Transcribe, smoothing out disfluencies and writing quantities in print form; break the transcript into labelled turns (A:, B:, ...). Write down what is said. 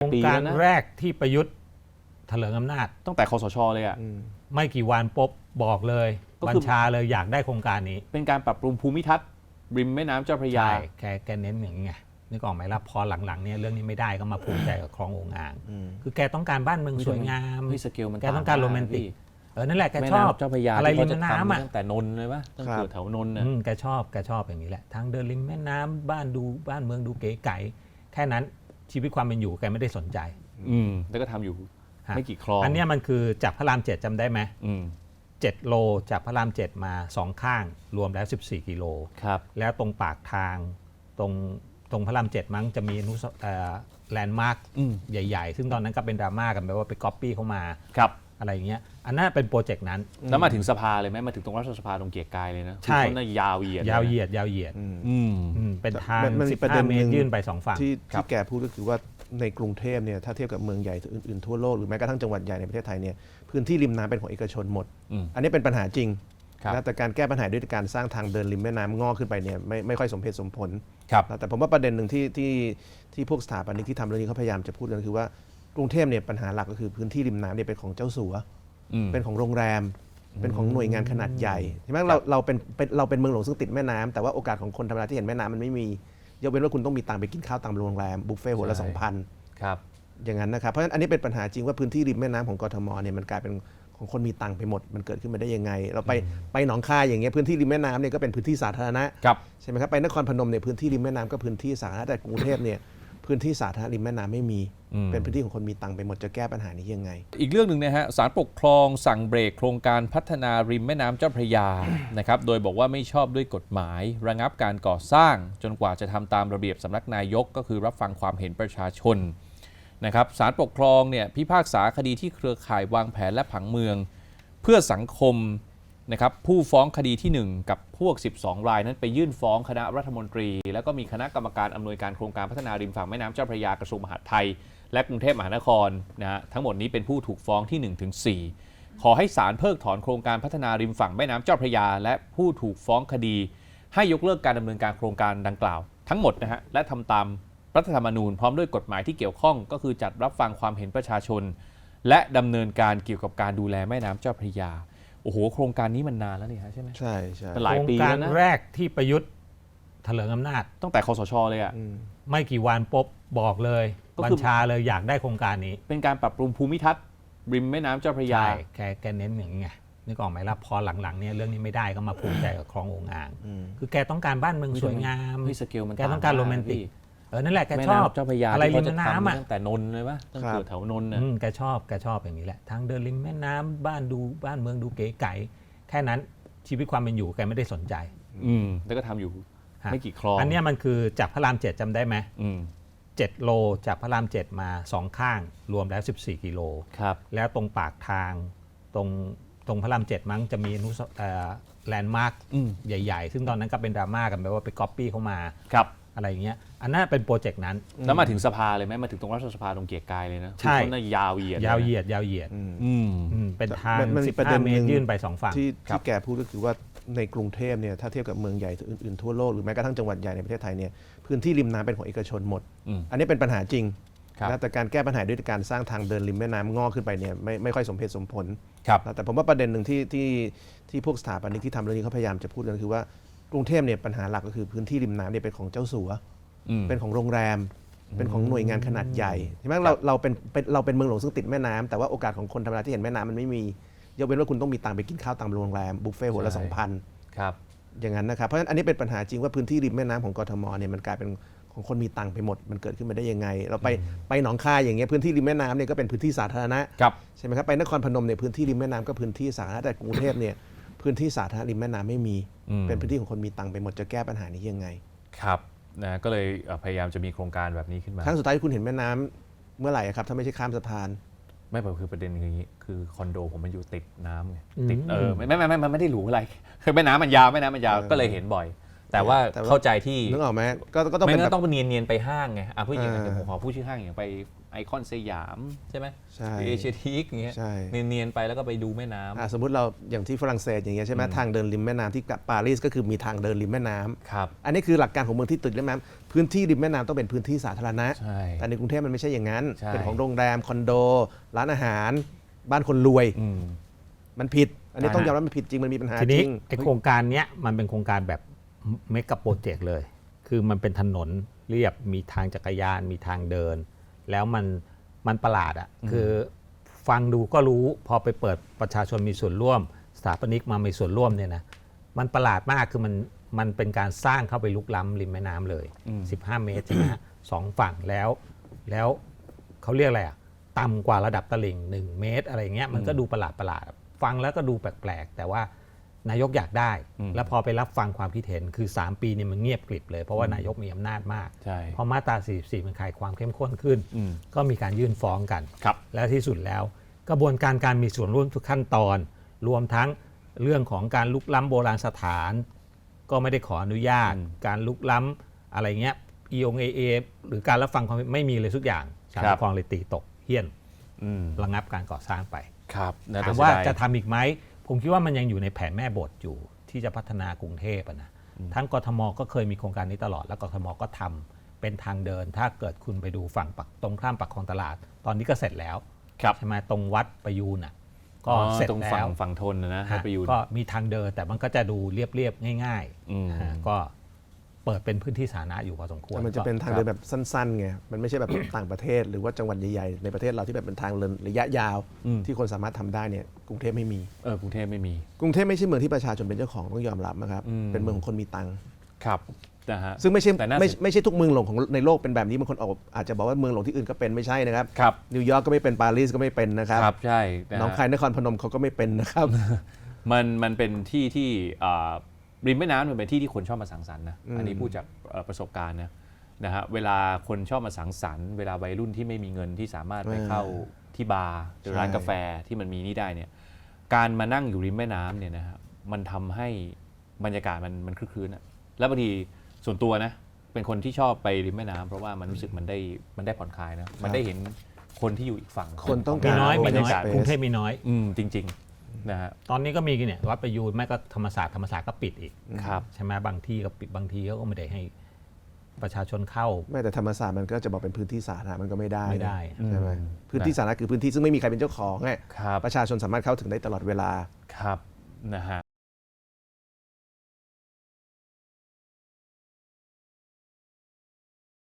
A: รงการแรกที่ประยุทธ์เถลิงอำนาจ
B: ตั้งแต่คสชเลยอ่ะ
A: ไม่กี่วันปุ๊บบอกเลยบัญชาเลยอยากได้โครงการนี้
B: เป็นการปรับปรุงภูมิทัศน์ริมแม่น้ำเจ้าพระยา
A: แกเน้นอย่างนี้ไงนึกออกไหมล่ะพอหลังๆเนี่ยเรื่องนี้ไม่ได้ก็มาภูมิใจกับคลององอ่างคือแกต้องการบ้านเมืองสวยงามแกต้องการโรแมนติกนั่นแหละแกชอบ
B: เจ้าพระยา
A: อะไรริมน้ำ
B: ตั้งแต่นนท์เลยปะตั้งแต่แถวนนท์น่ะ
A: แกชอบอย่างนี้แหละทางเดินริมแม่น้ำบ้านเมืองดูเก๋ไก๋แค่นั้นชีวิตความเป็นอยู่แกไม่ได้สนใจ
B: แล้วก็ทำอยู่ไม่กี่คลอง
A: อันนี้มันคือจากพระราม 7จำได้ไหม7 โลจากพระราม 7มา2ข้างรวมแล้ว14 กิโลแล้วตรงปากทางตรงพระราม 7มั้งจะมีแลนด์มาร์คใหญ่ๆซึ่งตอนนั้นก็เป็นดราม่ากันแบบว่าไปก๊อปปี้เข้ามาอะไรอย่างเงี้ยอันนั้นเป็นโปรเจกต์นั้น
B: แล้วมาถึงสภาเลยไหมมาถึงตรงรัฐสภาตรงเกียรติกายเลยนะ
A: ใช่
B: ต้นยาวเหยีย
A: ดเป็นทาง15 เมตรยื่นไป2ฝั่ง
C: ที่แกพูดก็คือว่าในกรุงเทพเนี่ยถ้าเทียบกับเมืองใหญ่อื่นๆทั่วโลกหรือแม้กระทั่งจังหวัดใหญ่ในประเทศไทยเนี่ยพื้นที่ริมน้ำเป็นของเอกชนหมดอันนี้เป็นปัญหาจริงนะแต่การแก้ปัญหาด้วยการสร้างทางเดินริมแม่น้ำงอกขึ้นไปเนี่ยไม่ค่อยสมเหตุสมผลแต่ผมว่าประเด็นหนึ่งที่พวกสถาปนิกที่ทำเรื่องนี้เขาพยายามจะพูดกันคือว่ากรุงเทพเนี่ยปัญหาหลักก็คือพื้นที่ริมน้ำเนี่ยเป็นของเจ้าสัวเป็นของโรงแรมเป็นของหน่วยงานขนาดใหญ่ใช่ไหมเราเป็นเมืองหลวงซึ่งติดแม่น้ำแต่ว่าโอกาสของคนธรรมดาที่เห็นแม่น้ำมันไม่มียกเว้นว่าคุณต้องมีตังค์ไปกินข้าวตามโรงแรมบุฟเฟ่ต์หัวละ 2,000
B: ครับ
C: อย่างนั้นนะครับเพราะฉะนั้นอันนี้เป็นปัญหาจริงว่าพื้นที่ริมแม่น้ำของกทมเนี่ยมันกลายเป็นของคนมีตังค์ไปหมดมันเกิดขึ้นมาได้ยังไงเราไปหนองคายอย่างเงี้ยพื้นที่ริมแม่น้ำเนี่ยก็เป็นพื้นที่สาธารณะใช่ไหมครับไปนครพนมเนี่ยพื้นที่ริมแม่น้ำก็พื้นที่สาธารณะแต่กรุงเทพเนี่ยพื้นที่สาธารณะริมแม่น้ำไม่มีเป็นพื้นที่ของคนมีตังค์ไปหมดจะแก้ปัญหานี้ยังไง
B: อีกเรื่องหนึ่งนะฮะศาลปกครองสั่งเบรกโครงการพัฒนาริมแม่น้ำเจ้าพระยานะครับโดยบอกว่าไม่ชอบด้วยกฎหมายระงับการก่อสร้างจนกว่าจะทำตามระเบียบสำนักนายกก็คือรับฟังความเห็นประชาชนนะครับศาลปกครองเนี่ยพิพากษาคดีที่เครือข่ายวางแผนและผังเมืองเพื่อสังคมนะครับผู้ฟ้องคดีที่1กับพวก12รายนั้นไปยื่นฟ้องคณะรัฐมนตรีแล้วก็มีคณะกรรมการอำนวยการโครงการพัฒนาริมฝั่งแม่น้ำเจ้าพระยากระทรวงมหาดไทยและกรุงเทพมหานครนะฮะทั้งหมดนี้เป็นผู้ถูกฟ้องที่1ถึง4ขอให้ศาลเพิกถอนโครงการพัฒนาริมฝั่งแม่น้ำเจ้าพระยาและผู้ถูกฟ้องคดีให้ยกเลิกการดำเนินการโครงการดังกล่าวทั้งหมดนะฮะและทำตามรัฐธรรมนูญพร้อมด้วยกฎหมายที่เกี่ยวข้องก็คือจัดรับฟังความเห็นประชาชนและดำเนินการเกี่ยวกับการดูแลแม่น้ำเจ้าพระยาโอ้โหโครงการนี้มันนานแล้วนี่ฮะใช่ไหม
C: ใช่
A: เป็นหลายปีแล้วนะโครงการแรกที่ประยุทธ์เถลิงอำนาจ
B: ตั้งแต่คสชเลยอ่ะ
A: ไม่กี่วันปุ๊บบอกเลยบัญชาเลยอยากได้โครงการนี้
B: เป็นการปรับปรุงภูมิทัศน์ริมแม่น้ำเจ้าพระยา
A: แกเน้นอย่างนี้ไงนึกออกไหมล่ะพอหลังๆเนี่ยเรื่องนี้ไม่ได้ก็มาภูมิใจกับคลององอ่างคือแกต้องการบ้านเมืองสวยงามแกต้องการโรแมนติกนั่นแหละแกชอบ
B: เจ้าพระยา
A: อะไรริมน้ำ
B: ตั้งแต่นนท์เลยปะตั้งแต่แถวนนท์น่ะ
A: แกชอบอย่างนี้แหละทางเดินริมแม่น้ำบ้านเมืองดูเก๋ไก๋แค่นั้นชีวิตความเป็นอยู่แกไม่ได้สนใจ
B: แล้วก็ทำอยู่ไม่กี่คลอง
A: อันนี้มันคือจากพระราม 7จำได้ไหม7 โลจากพระราม 7มา2ข้างรวมแล้ว14 กิโลแล้วตรงปากทางตรงพระราม 7มั้งจะมีแลนด์มาร์คใหญ่ๆซึ่งตอนนั้นก็เป็นดราม่ากันแบบว่าไปก๊อปปี้เข้ามาอะไรอย่างเงี้ยอันนั้นเป็นโปรเจกต์นั้น
B: แล้วมาถึงสภาเลยไหมมาถึงตรงรัฐสภาตรงเกียรติกายเลยนะต้นยาวเหยีย
A: ดเป็นทาง15 เมตรยื่นไป2ฝั่ง
C: ที่แกพูดก็คือว่าในกรุงเทพเนี่ยถ้าเทียบกับเมืองใหญ่อื่นๆทั่วโลกหรือแม้กระทั่งจังหวัดใหญ่ในประเทศไทยเนี่ยพื้นที่ริมน้ำเป็นของเอกชนหมดอันนี้เป็นปัญหาจริงนะแต่การแก้ปัญหาด้วยการสร้างทางเดินริมแม่น้ำงอกขึ้นไปเนี่ยไม่ค่อยสมเหตุสมผลแต่ผมว่าประเด็นหนึ่งที่พวกสถาปนิกที่ทำเรื่องนี้เขาพยายามจะพูดกันคือว่ากรุงเทพเนี่ยปัญหาหลักก็คือพื้นที่ริมน้ำเนี่ยเป็นของเจ้าสัวเป็นของโรงแรมเป็นของหน่วยงานขนาดใหญ่ใช่ไหมเราเป็นเมืองหลวงซึ่งติดแม่น้ำแต่ว่าโอกาสของคนธรรมดาที่เห็นแม่น้ำมันไม่มียกเว้นว่าคุณต้องมีตังค์ไปกินข้าวตามโรงแรมบุฟเฟ่ต์หัวละ 2,000 อย่างนั้นนะครับเพราะฉะนั้นอันนี้เป็นปัญหาจริงว่าพื้นที่ริมแม่น้ำของกทมเนี่ยมันกลายเป็นของคนมีตังค์ไปหมดมันเกิดขึ้นมาได้ยังไงเราไปหนองคายอย่างเงี้ยพื้นที่ริมแม่น้ำเนี่ยก็เป็นพื้นที่สาธารณะใช่ไหมครับไปนครพนมเนี่ยพื้นที่ริมแม่น้ำก็พื้นที่สาธารณะแต่กรุงเทพเนี่ยพื้นที่สาธารณะริมแม่น้ำไม่มีเป็นพื้นที่ของคนมีตังค์ไปหมดจะแก้ปัญหานี้ยังไง
B: ครับนะก็เลยพยายามจะมีโครงการแบบนี้ขึ้นมา
C: ครั้งสุดท้ายที่คุณเห็นแม่น้ำเมื่อไหร่ครับถ้าไม่ใช่ข้ามสะพาน
B: ไม่คือประเด็นอย่างนี้คือคอนโดผมมันอยู่ติดน้ำไงติดมันไม่ได้หรูอะไรคือแม่น้ำมันยาวก็เลยเห็นบ่อยแต่ว่า
C: แต่ว่า
B: เข้าใจที่
C: นึกออกไหมก็ต้อง
B: ไม่
C: เป็น
B: งั้
C: แบบ
B: นต้องเนียนๆไปห้างไงผู้หญิง
C: อ่า
B: เดี๋ยวผมขอพูดชื่อห้างอย่างไปไอคอนสยามใช่ไหม
C: ใช่
B: เอเชียทีคอย่างเงี้ย
C: ใช่
B: เนียนๆไปแล้วก็ไปดูแม่น้ำ
C: สมมติเราอย่างที่ฝรั่งเศสอย่างเงี้ยใช่ไหมทางเดินริมแม่น้ำที่ปารีสก็คือมีทางเดินริมแม่น้ำ
B: ครับ
C: อันนี้คือหลักการของเมืองที่ติดริมแม่น้ำพื้นที่ริมแม่น้ำต้องเป็นพื้นที่สาธารณะ
B: ใช่
C: แต่ในกรุงเทพมันไม่ใช่อย่างนั้น
B: ใช่
C: เป็นของโรงแรมคอนโด ร้านอาหาร บ้านคนรวย
B: อืม
C: มันผิด อันนี้
B: อ่า
C: ต้องยอมรับมันผิดจริงมันมีปัญหา
A: ที
C: จ
A: นี้
C: ริง
A: ไอโครงการเนี้ยมันเป็นโครงการแบบเมกะโปรเจกต์เลย คือมันเป็นถนนเรียบมีทางจักรยานมีทางเดิน แล้วมันประหลาดอ่ะคือฟังดูก็รู้พอไปเปิดประชาชนมีส่วนร่วม สถาปนิกมามีส่วนร่วมเนี่ยนะมันประหลาดมากคือมันเป็นการสร้างเข้าไปลุกล้ำริมแม่น้ำเลย 15 เมตรใช่ไหมฮะสองฝั่งแล้วเขาเรียกอะไรอ่ะต่ำกว่าระดับตลิ่ง 1 เมตรอะไรเงี้ยมันก็ดูประหลาดฟังแล้วก็ดูแปลกๆแต่ว่านายกอยากได้ แล้วพอไปรับฟังความคิดเห็นคือ 3 ปีเนี่ยมันเงียบกริบเลยเพราะว่านายกมีอำนาจมาก
B: ใช่
A: พอมาตรา 44 มันขายความเข้มข้นขึ้น ก็มีการยื่นฟ้องกัน
B: ครับ
A: และที่สุดแล้ว กระบวนการมีส่วนร่วมทุกขั้นตอน รวมทั้งเรื่องของการลุกล้ำโบราณสถาน ก็ไม่ได้ขออนุญาต การลุกล้ำอะไรเงี้ย EOA หรือการรับฟังความไม่มีเลยทุกอย่างศาล
B: ครั
A: ป
B: บ
A: กครองเลยตีตกเฮี้ยน
B: อืม
A: ระงับการก่อสร้างไป
B: ครับน่
A: ถาม
B: เสี
A: ว่าย
B: ดย
A: จะทำอีกไหม ผมคิดว่ามันยังอยู่ในแผนแม่บทอยู่ที่จะพัฒนากรุงเทพอะนะทั้งกทมก็เคยมีโครงการนี้ตลอดแล้วกทมก็ทำเป็นทางเดิน ถ้าเกิดคุณไปดูฝั่งตรงข้ามปากคลองตลาด ตอนนี้ก็เสร็จแล้ว
B: ครับ
A: ใช่ไหมตรงวัดประยูนอ่ะก็เสร็จ
B: ตรง
A: แล้
B: ฝั่ง
A: ว
B: ฝั่งทนนะให้
A: ฮะ
B: ไปอยู่
A: ก็มีทางเดินแต่มันก็จะดูเรียบๆง่าย
B: อืม
A: ฮะก็เปิดเป็นพื้นที่สาธารณะอยู่พอสมควร
C: แต่มันจะเป็นทาง
A: ก็
C: เดินแบบสั้นๆไง มันไม่ใช่แบบ ต่างประเทศหรือว่าจังหวัดใหญ่ๆในประเทศเราที่แบบเป็นทางเดินระยะยาว ที่คนสามารถทำได้เนี่ยกรุงเทพไม่มี
B: กรุงเทพไม่มี
C: กรุงเทพไม่ใช่เมืองที่ประชาชนเป็นเจ้าของต้องยอมรับนะครับ เป็นเมืองของคนมีตังค์
B: ครับนะฮะ
C: ซึ่งไม่ใช่
B: แต่น่า
C: ไม่ใช่ทุกเมืองหลวงของในโลกเป็นแบบนี้บางคนอาจจะบอกว่าเมืองหลวงที่อื่นก็เป็นไม่ใช่นะครับ
B: ครับ
C: นิวยอร์กก็ไม่เป็นปารีสก็ไม่เป็นนะครับ
B: ครับใช่ะฮะ
C: หนองคายนครพนมเขาก็ไม่เป็นนะครับ
B: มันเป็นที่ที่ริมแม่น้ำมันเป็นที่ที่คนชอบมาสังสรรค์นะอันนี้พูดจากประสบการณ์นะฮะเวลาคนชอบมาสังสรรค์เวลาวัยรุ่นที่ไม่มีเงินที่สามารถไปเข้าที่บาร์หรือร้านกาแฟที่มันมีนี่ได้เนี่ยการมานั่งอยู่ริมแม่น้ำเนี่ยนะฮะมันทำให้บรรยากาศมันคลึกคลื้นอะแล้วบางทีส่วนตัวนะเป็นคนที่ชอบไปริมแม่น้ำเพราะว่ามันรู้สึกมันได้ผ่อนคลายนะมันได้เห็นคนที่อยู่อีกฝั่ง
C: คนต้อง
A: มี
C: การ
A: น้อย
C: บ
A: มี
C: รร
A: น้
C: ยา
A: อย
C: กาศ
A: กรุงเทพมีน้อย
B: จริงๆนะฮะ
A: ตอนนี้ก็มีเนี่ยวัดประยูนไม่ก็ธรรมศาสตร์ก็ปิดอีก
B: ครับ
A: ใช่ไหมบางที่ก็ปิดบางทีเขาก็ไม่ได้ให้ประชาชนเข้า
C: ไม่แต่ธรรมศาสตร์มันก็จะบอกเป็นพื้นที่สาธารณะมันก็ไม่ได้
A: ไม่ได้
C: ใช่ไหมพื้นที่สาธารณะคือพื้นที่ซึ่งไม่มีใครเป็นเจ้าของไง
B: ครับ
C: ประชาชนสามารถเข้าถึงได้ตลอดเวลา
B: ครับนะฮะ